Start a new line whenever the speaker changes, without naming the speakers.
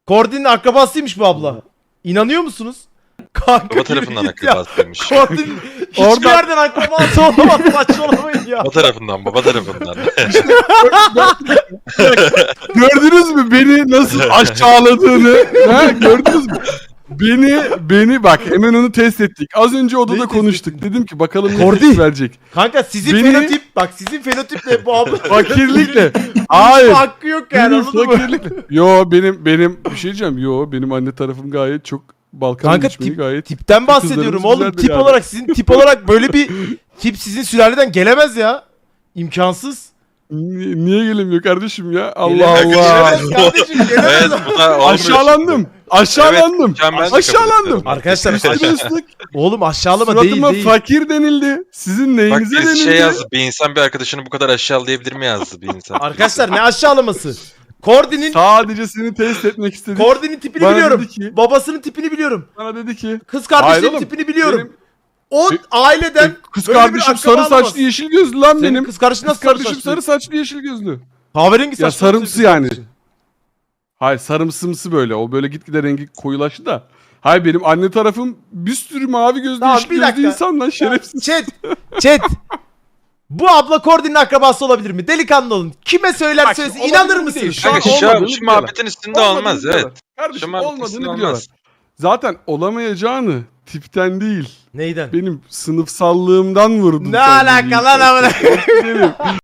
Kordin'in akrabasıymış bu abla. İnanıyor musunuz? Kanka
Baba tarafından akrabasıymış.
Kordin hiçbir
Oradan-
yerden akrabası olamaz, saçmalamayın ya.
Baba tarafından.
Gördünüz mü beni nasıl aşağıladığını? Ha, gördünüz mü? Beni bak hemen onu test ettik. Az önce odada
Neyi test
konuştuk. Dedim ki bakalım ne
Kordi.
tepki verecek.
Kanka sizin
Beni-
fenotip, bak sizin fenotiple bu abla.
Fakirlikle.
Hiçbir
Hayır.
hakkı yok yani,
Benim
anladın mı?
fakirlikle. Yo benim bir şey diyeceğim. Yo benim anne tarafım gayet çok Balkan
Kanka
göçmeni
tip,
gayet.
tipten bahsediyorum
kızlarımız
oğlum.
güzeldir
Tip
yani.
olarak, sizin tip olarak böyle bir tip sizin sülaleden gelemez ya. İmkansız.
Niye gelemiyor kardeşim ya? Allah
Gelemez,
Allah.
gelemez kardeşim, gelemez.
Evet bu da olmuyor
Aşağılandım.
şimdi.
Aşağılandım.
Evet, ben de kabul
Aşağılandım.
ediyorum.
Arkadaşlar
Üstüme ıslık.
oğlum aşağılama değil
Suratıma
değil.
fakir denildi. Sizin
Bak
neyinize
birisi
denildi?
şey yazdı. Bir insan bir arkadaşını bu kadar aşağılayabilir mi yazdı bir insan.
Arkadaşlar ne aşağılaması? Kordin'in
Sadece seni test etmek istedik.
Kordin'in tipini
Bana
biliyorum.
dedi ki-
Babasının tipini biliyorum.
Bana dedi ki.
Kız kardeşinin
Hayır oğlum,
tipini biliyorum.
benim-
O aileden
Kız
böyle bir
kardeşim
akraba
sarı
olamaz.
saçlı yeşil gözlü lan
Senin
benim.
kız kardeşin nasıl
Kız kardeşim
saçlı?
sarı saçlı yeşil gözlü.
Kahverengi
Ya
saçlı.
sarımsı
kız
yani.
kardeşin.
Hayır sarımsımsı böyle. O böyle gitgide rengi koyulaştı da. Hayır benim anne tarafım bir sürü mavi gözlü
Tamam,
yeşil
bir
gözlü
dakika.
insan lan şerefsiz.
Chat. Bu abla Kordin'in akrabası olabilir mi? Delikanlı olun. Kime söyler
Bak,
söylesin
olabilir
inanır
mi
mısınız?
değil.
Kanka
Şu an olmadığını
şu
biliyorlar.
muhabbetin üstünde olmaz evet.
Kardeşim
muhabbetin
olmadığını
üstünde
biliyorlar.
olmaz.
Zaten olamayacağını tipten değil.
Neyden?
Benim sınıfsallığımdan vurdum.
Ne
sen
alaka
bunu
lan
ilk
amına?
başta.